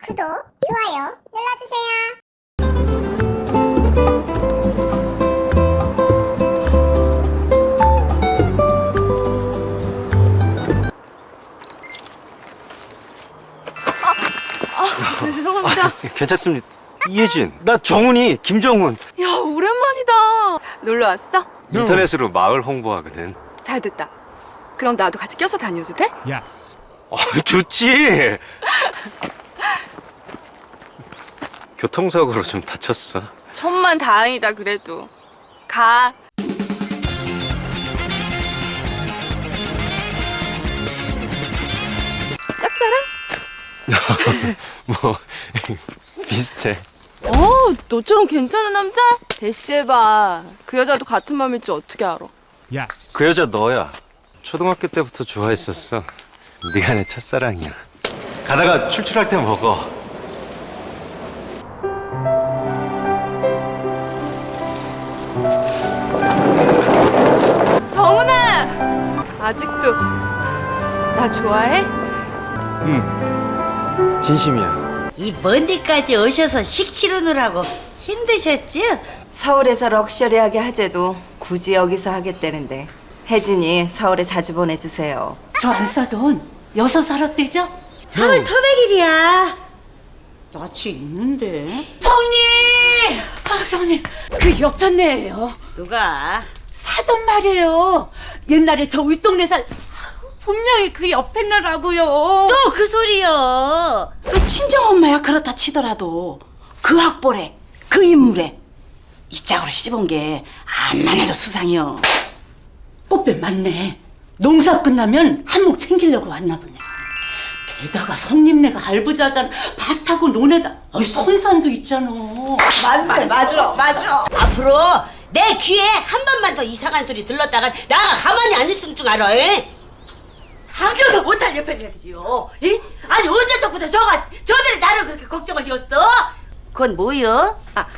구독, 좋아요 눌러주세요. 죄송합니다. 괜찮습니다. 이혜진, 나 정훈이, 김정훈. 야, 오랜만이다. 놀러 왔어? 인터넷으로 마을 홍보하거든. 잘 됐다. 그럼 나도 같이 껴서 다녀도 돼? Yes. 좋지. 교통사고로 좀 다쳤어. 천만 다행이다 그래도. 가. 짝사랑? 뭐 비슷해. 너처럼 괜찮은 남자? 대시해봐. 그 여자도 같은 맘일 줄 어떻게 알아? Yes. 그 여자 너야. 초등학교 때부터 좋아했었어. 네가 내 첫사랑이야. 가다가 출출할 때 먹어. 정훈아! 아직도 나 좋아해? 응. 진심이야. 이 먼 데까지 오셔서 식치르느라고 힘드셨죠? 서울에서 럭셔리하게 하재도 굳이 여기서 하겠다는데 혜진이 서울에 자주 보내주세요. 저 안 싸돈 6살 어때죠? 서울 토백일이야. 낯이 있는데. 성님! 성님, 그 옆편네예요. 누가? 사돈 말이에요. 옛날에 저 윗동네 분명히 그 옆편네라고요. 또 그 소리요. 그 친정엄마야 그렇다 치더라도 그 학벌에 그 인물에 이 짝으로 씹은 게 암만 해도 수상이요. 꽃뱀 맞네. 농사 끝나면 한몫 챙기려고 왔나 보네. 게다가 성님네가 알부자잔 밭하고 논에다 선산도 있잖아. 맞아. 앞으로 내 귀에 한 번만 더 이상한 소리 들렀다가 나가 가만히 안 있을 줄 알아. 당겨도 못할 옆편네들이요. 아니 언제부터 저들이 나를 그렇게 걱정하셨어? 그건 뭐요?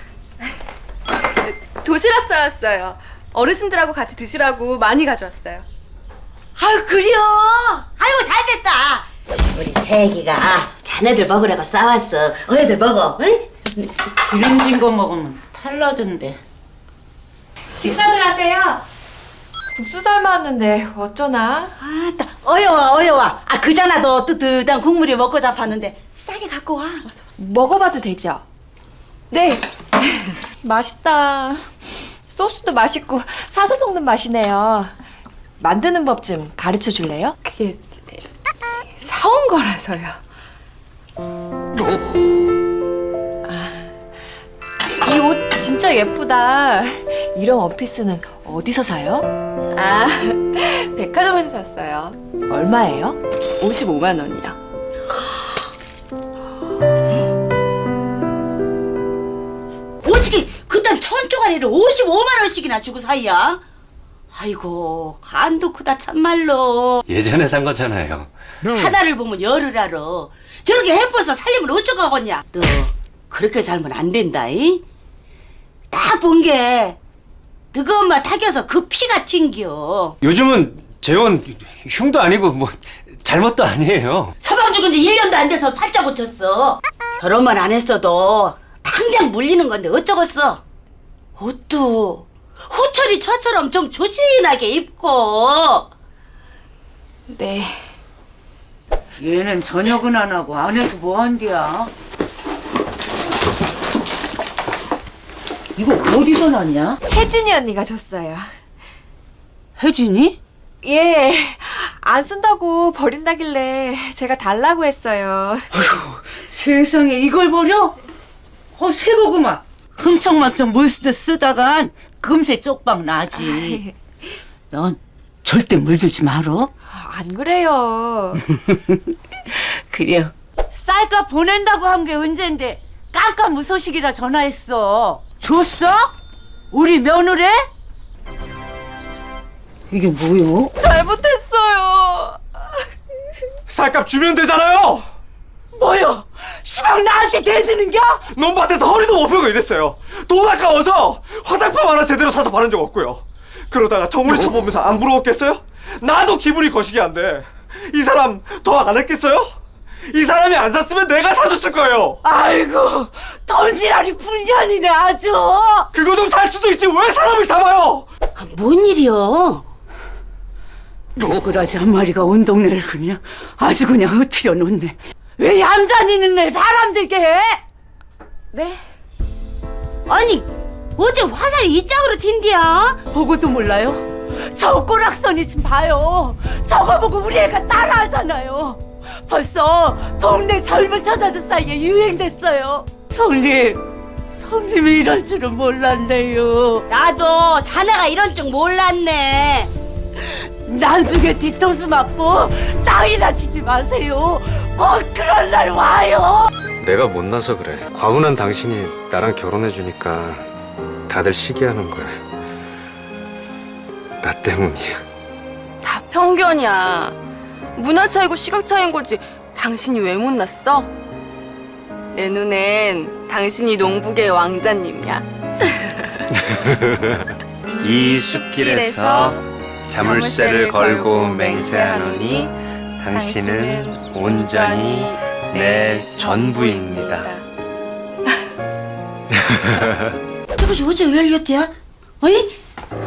도시락 싸왔어요. 어르신들하고 같이 드시라고 많이 가져왔어요. 아유 그래요. 아이고 잘됐다. 우리 새애기가 자네들 먹으라고 싸왔어. 어애들 먹어. 응? 기름진 거 먹으면 탈나던데. 식사들 하세요. 국수 삶았는데 어쩌나? 아따 어여와. 그자나도 뜨뜻한 국물이 먹고 잡았는데 싸게 갖고 와. 먹어봐도 되죠? 네. 맛있다. 소스도 맛있고 사서 먹는 맛이네요. 만드는 법 좀 가르쳐 줄래요? 그게 사온 거라서요. 이 옷 진짜 예쁘다. 이런 원피스는 어디서 사요? 백화점에서 샀어요. 얼마예요? 55만 원이요. 어떻게 그딴 천조가리를 55만 원씩이나 주고 사이야? 아이고 간도 크다 참말로. 예전에 산 거잖아요. 하나를 보면 열을 알아. 저렇게 해퍼서 살림을 어쩌가겠냐. 너 그렇게 살면 안 된다. 딱 본 게 너가 엄마 타겨서 그 피가 튕겨. 요즘은 재혼 흉도 아니고 뭐 잘못도 아니에요. 서방 죽은 지 1년도 안 돼서 팔자 고쳤어. 결혼만 안 했어도 당장 물리는 건데 어쩌겠어. 옷도 호철이 처처럼 좀 조신하게 입고. 네. 얘는 저녁은 안 하고 안에서 뭐 한디야? 이거 어디서 났냐? 혜진이 언니가 줬어요. 혜진이? 예, 안 쓴다고 버린다길래 제가 달라고 했어요. 세상에 이걸 버려? 새거구만. 흥청망청 물쓰듯 쓰다간 금세 쪽박 나지. 넌 절대 물들지 말어. 안 그래요. 그래요. 쌀값 보낸다고 한 게 언젠데 깜깜무소식이라 전화했어. 줬어? 우리 며느리? 이게 뭐요? 잘못했어요. 쌀값 주면 되잖아요. 뭐요? 시방 나한테 대드는겨? 논밭에서 허리도 못 펴고 이랬어요. 돈 아까워서 화장품 하나 제대로 사서 바른 적 없고요. 그러다가 정훈이 쳐보면서 안 부러웠겠어요? 나도 기분이 거시기 한데 이 사람 더 안 했겠어요? 이 사람이 안 샀으면 내가 사줬을 거예요. 아이고 돈지랄이 불년이네 아주. 그거 좀 살 수도 있지 왜 사람을 잡아요? 뭔 일이요? 누구라지 한 마리가 온 동네를 그냥 아주 그냥 흐트려 놓네. 왜 얌전히는 애 사람들게 해? 네? 아니 어제 화살이 이 짝으로 튄디야? 보고도 몰라요? 저 꼬락선이 좀 봐요. 저거 보고 우리 애가 따라하잖아요. 벌써 동네 젊은 처자들 사이에 유행됐어요. 성님이 이럴 줄은 몰랐네요. 나도 자네가 이런 줄 몰랐네. 나중에 뒤통수 맞고 땅이나 치지 마세요. 곧 그런 날 와요. 내가 못나서 그래. 과분한 당신이 나랑 결혼해주니까 다들 시기하는 거야. 나 때문이야. 다 편견이야. 문화 차이고 시각 차이인 거지. 당신이 왜 못났어? 내 눈엔 당신이 농부계의 왕자님이야. 이 숲길에서 자물쇠를 걸고 맹세하노니 당신은 온전히 내 전부입니다. 저것이 어제 왜 열렸대야? 어이?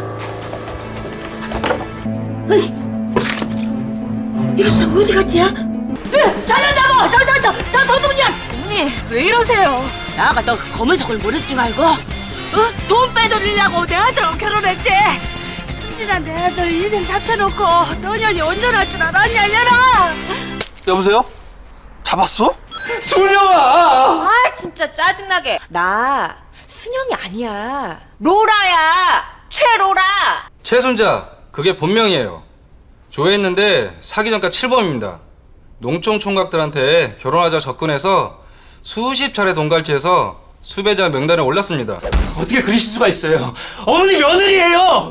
어이? 이것이 다 어디 갔대야? 달려나가! 저 도둑이야! 언니 왜 이러세요? 나가 너 검은색을 모르지 말고 돈 빼돌리려고 내 아들하고 결혼했지? 순진한 내 아들 인생 잡혀놓고 너년이 온전할 줄 알았냐 이년아! 여보세요? 잡았어? 순영아! 아 진짜 짜증나게. 나 순영이 아니야. 로라야. 최로라. 최순자, 그게 본명이에요. 조회했는데 사기 전가 7범입니다. 농촌 총각들한테 결혼하자 접근해서 수십 차례 돈갈치해서 수배자 명단에 올랐습니다. 어떻게 그러실 수가 있어요? 어머니 며느리예요.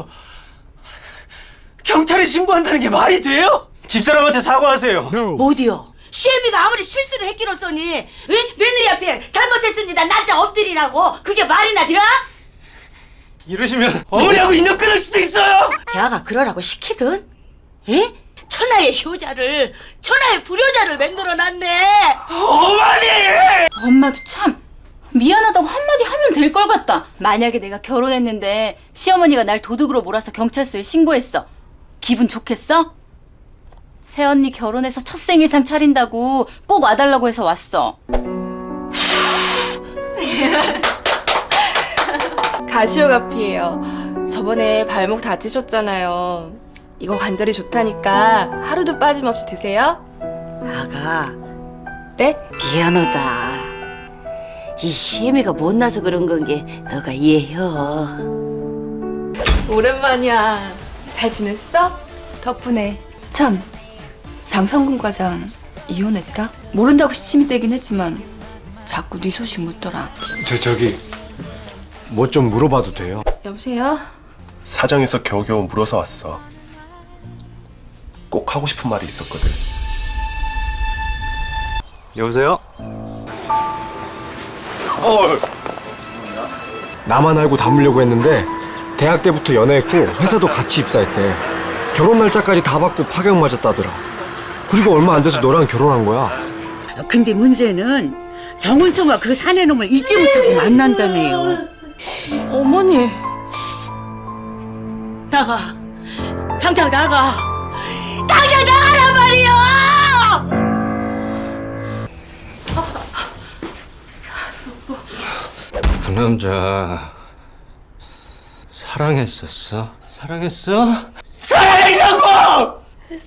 경찰에 신고한다는 게 말이 돼요? 집사람한테 사과하세요. 어디요? 시애미가 아무리 실수를 했기로써니 응? 며느리 앞에 잘못했습니다 난자 엎드리라고 그게 말이나 돼? 이러시면 어머니하고 인연 끊을 수도 있어요. 대아가 그러라고 시키든 에? 천하의 효자를 천하의 불효자를 만들어놨네. 어머니! 엄마도 참 미안하다고 한마디 하면 될 걸 같다. 만약에 내가 결혼했는데 시어머니가 날 도둑으로 몰아서 경찰서에 신고했어. 기분 좋겠어? 새언니 결혼해서 첫 생일상 차린다고 꼭 와달라고 해서 왔어. 가시오가피예요. 저번에 발목 다치셨잖아요. 이거 관절이 좋다니까 하루도 빠짐없이 드세요. 아가 네? 미안하다. 이 시애미가 못나서 그런 건 게 너가 이해해. 오랜만이야. 잘 지냈어? 덕분에. 참, 장성근 과장 이혼했다? 모른다고 시침이 떼긴 했지만 자꾸 네 소식 묻더라. 저기 뭐 좀 물어봐도 돼요? 여보세요? 사정에서 겨우겨우 물어서 왔어. 꼭 하고 싶은 말이 있었거든. 여보세요? 나만 알고 담으려고 했는데 대학 때부터 연애했고 회사도 같이 입사했대. 결혼 날짜까지 다 받고 파격 맞았다더라. 그리고 얼마 안 돼서 너랑 결혼한 거야. 근데 문제는 정은청과 그 사내놈을 잊지 못하고 만난다네요. 어머니. 나가. 당장 나가. 당장 나가란 말이야! 그 남자 사랑했었어? 사랑했어? 사랑이자고!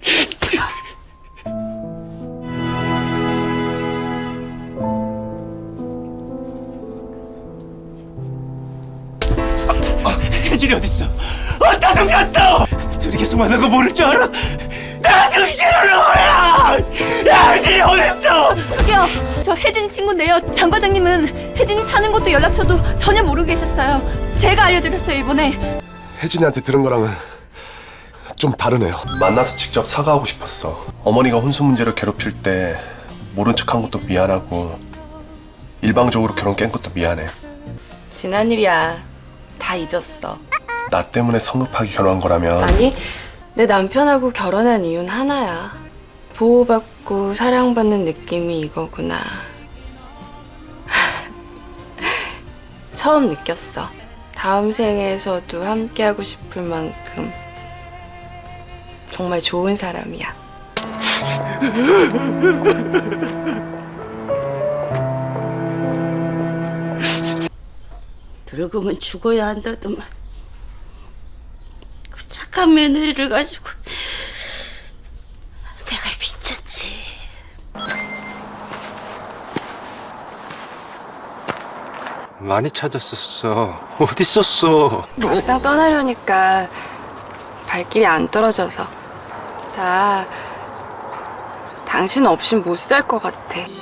혜진이 어딨어? 어디다 숨겼어? 둘이 계속 만난 거 모를 줄 알아? 나 정신을 놓아야! 야, 혜진이 어딨어? 저기요, 저 혜진이 친구인데요. 장 과장님은 혜진이 사는 곳도 연락처도 전혀 모르고 계셨어요. 제가 알려드렸어요, 이번에. 혜진이한테 들은 거랑은 좀 다르네요. 만나서 직접 사과하고 싶었어. 어머니가 혼수 문제로 괴롭힐 때 모른 척한 것도 미안하고 일방적으로 결혼 깬 것도 미안해. 지난 일이야. 다 잊었어. 나 때문에 성급하게 결혼한 거라면 아니, 내 남편하고 결혼한 이유는 하나야. 보호받고 사랑받고 사랑받는 느낌이 이거구나. 처음 느꼈어. 다음 생에서도 함께하고 싶을 만큼 정말 좋은 사람이야. 늙으면 죽어야 한다더만. 그 착한 며느리를 가지고 내가 미쳤지. 많이 찾았었어. 어디 있었어? 막상 떠나려니까 발길이 안 떨어져서 나 당신 없인 못 살 것 같아.